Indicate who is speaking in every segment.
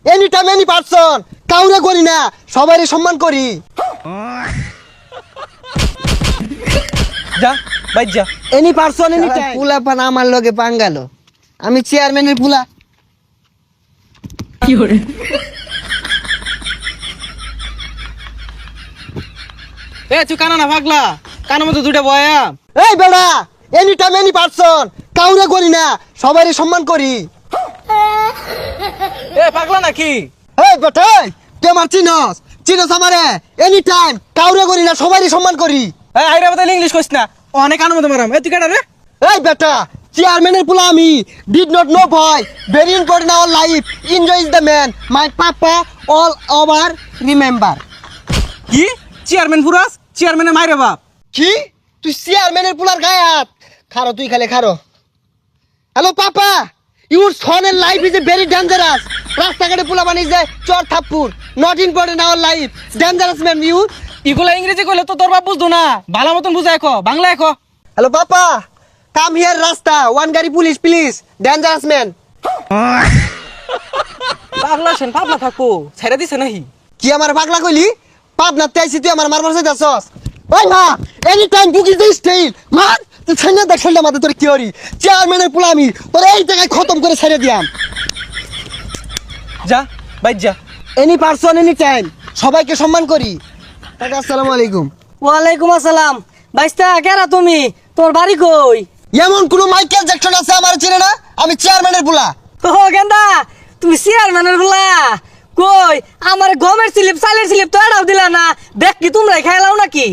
Speaker 1: Any time any person, কাউরে করি না, সবারই সম্মান করি।
Speaker 2: যা বাইর যা।
Speaker 1: Any person any time. পুলা পান আমার লগে পাঙ্গালো, আমি চেয়ারম্যানের পুলা।
Speaker 2: কি করে এ তুই কানা না পাগলা, কানের মতো দুইটা বয়া।
Speaker 1: এই বেড়া, এনি টাইম এনি পারসন, কাউরে করি না, সবারই সম্মান করি।
Speaker 2: এ পাগলা নাকি?
Speaker 1: এই বেটা, তুই আমার চিনস, চিনস আমারে? এনি টাইম কাউরে করি না, সবারই সম্মান করি।
Speaker 2: এই আইরা বদলে ইংলিশ কইছ না, অনেক কানের মতো মারাম। এ তুই কাটা রে?
Speaker 1: এই বেটা, চেয়ারম্যানের পুলা আমি। ডিড নট নো ভয়, very important our life, enjoy is the man, my papa all over remember.
Speaker 2: কি চেয়ারম্যান পুরাস? চেয়ারম্যানের মাইরে বাপ।
Speaker 1: কি তুই চেয়ারম্যানের পুলার গায়ে হাত? খারো তুই, খালে খারো। হ্যালো পাপা, ইউর সনের life is a very dangerous. রাস্তাঘাটে পুলা বানিয়ে যায় চর থাপ্পুর, not important our life, dangerous man you.
Speaker 2: ইগুলা ইংরেজি কইলে তো তোর বাপ বুঝতো না, ভালো মতন বুঝায় কো, বাংলায় কো।
Speaker 1: হ্যালো পাপা, কাম হিয়ার রাস্তা, ওয়ান গাড়ি পুলিশ প্লিজ, ডেঞ্জারাস ম্যান।
Speaker 2: পাগলা সেন পাগলা থাকো, ছেড়ে দিছে নাহি?
Speaker 1: কি আমার পাগলা কইলি? পাবনার তাইছি তুই আমার মারবার চাইতাছস? ওই মা, any time book is the style. মার তুই ছাইনা দেখ ছাইনা মাথা তোর কি হরি? চেয়ারম্যানের পুলা আমি তোর এই জায়গায় খতম করে ছেড়ে দিয়াম।
Speaker 2: যা বাইর যা।
Speaker 1: এনি পারসন এনি টাইম, সবাইকে সম্মান করি। কাকা আসসালামু আলাইকুম।
Speaker 3: ওয়ালাইকুম আসসালাম। বাইস্তা কেরা তুমি? তোর বাড়ি কই?
Speaker 1: এমন কোন মাইকেল জ্যাকসন আছে আমার চিনে না? আমি চেয়ারম্যানের পুলা।
Speaker 3: ও গেন্দা, তুমি চেয়ারম্যানের বলা কই? আমার গমের স্লিপ, চালের স্লিপ তো এটাও দিলা না। দেখ কি তোমরাই খাইলাও নাকি?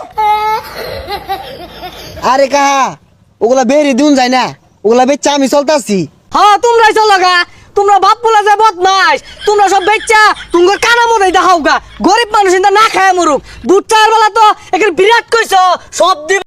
Speaker 1: আরে কাহা, ওগুলা বেরি দিন যায় না, ওগুলা বেচা আমি চলতাছি।
Speaker 3: হ্যাঁ তোমরাই চলো গা। তোমরা বাপ বলা যায় বদমাস। তোমরা সব বেচ্চা তোমার কানা মতো দেখাও গা। গরিব মানুষ না খায় মরুক। দুধ চার বেলা তো এখানে বিরাট কইছো সব দিন।